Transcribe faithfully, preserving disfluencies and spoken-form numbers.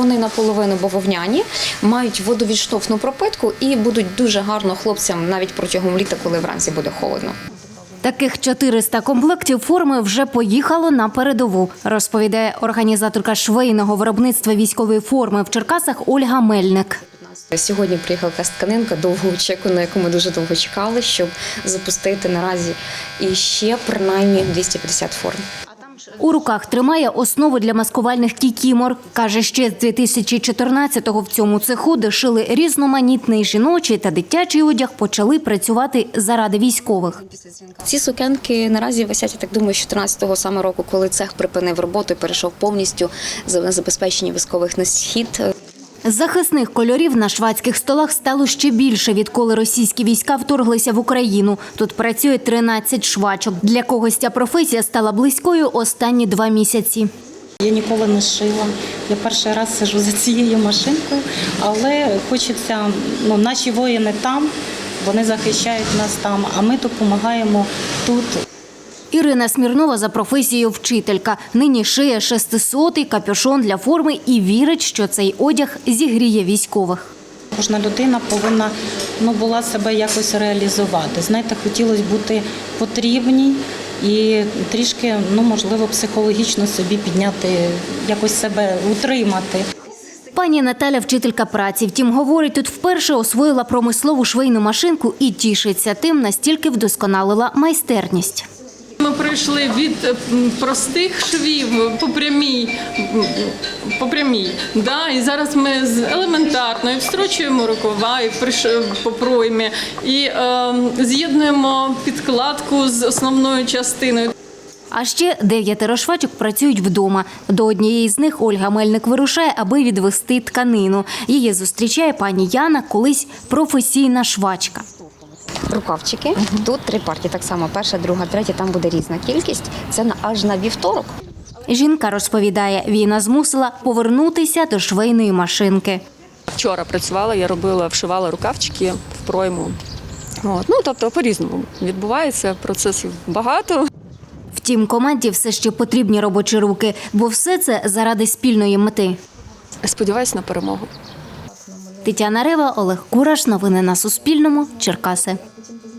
Вони наполовину бавовняні, мають водовідштовхну пропитку і будуть дуже гарно хлопцям навіть протягом літа, коли вранці буде холодно. Таких чотириста комплектів форми вже поїхало на передову, розповідає організаторка швейного виробництва військової форми в Черкасах Ольга Мельник. Сьогодні приїхала якась тканинка довго очікувана, на яку ми дуже довго чекали, щоб запустити наразі і ще принаймні двісті п'ятдесят форм. У руках тримає основу для маскувальних кікімор. Каже, ще з дві тисячі чотирнадцятого в цьому цеху, де шили різноманітний жіночий та дитячий одяг, почали працювати заради військових. Ці сукенки наразі висять, я так думаю, з чотирнадцятого саме року, коли цех припинив роботу і перейшов повністю на забезпечення військових на схід. Захисних кольорів на швадських столах стало ще більше, відколи російські війська вторглися в Україну. Тут працює тринадцять швачок. Для когось ця професія стала близькою останні два місяці. Я ніколи не шила. Я перший раз сиджу за цією машинкою, але хочеться, ну, наші воїни там, вони захищають нас там, а ми допомагаємо тут. Ірина Смірнова за професією вчителька. Нині шиє шестисотий капюшон для форми і вірить, що цей одяг зігріє військових. Кожна людина повинна, ну, була себе якось реалізувати. Знаєте, хотілося бути потрібній і трішки, ну, можливо, психологічно собі підняти, якось себе утримати. Пані Наталя – вчителька праці. Втім, говорить, тут вперше освоїла промислову швейну машинку і тішиться тим, настільки вдосконалила майстерність. Ми прийшли від простих швів по прямій, по прямій, да? І зараз ми з елементарно і встрочуємо рукава і по проймі, і е, з'єднуємо підкладку з основною частиною. А ще дев'ятеро швачок працюють вдома. До однієї з них Ольга Мельник вирушає, аби відвести тканину. Її зустрічає пані Яна, колись професійна швачка. Рукавчики. Угу. Тут три партії, так само перша, друга, третя, там буде різна кількість. Це на, аж на вівторок. Жінка розповідає, війна змусила повернутися до швейної машинки. Вчора працювала, я робила, вшивала рукавчики в пройму. От. Ну, тобто по-різному відбувається, процесів багато. Втім, команді все ще потрібні робочі руки, бо все це заради спільної мети. Сподіваюся на перемогу. Тетяна Рева, Олег Кураш. Новини на Суспільному. Черкаси.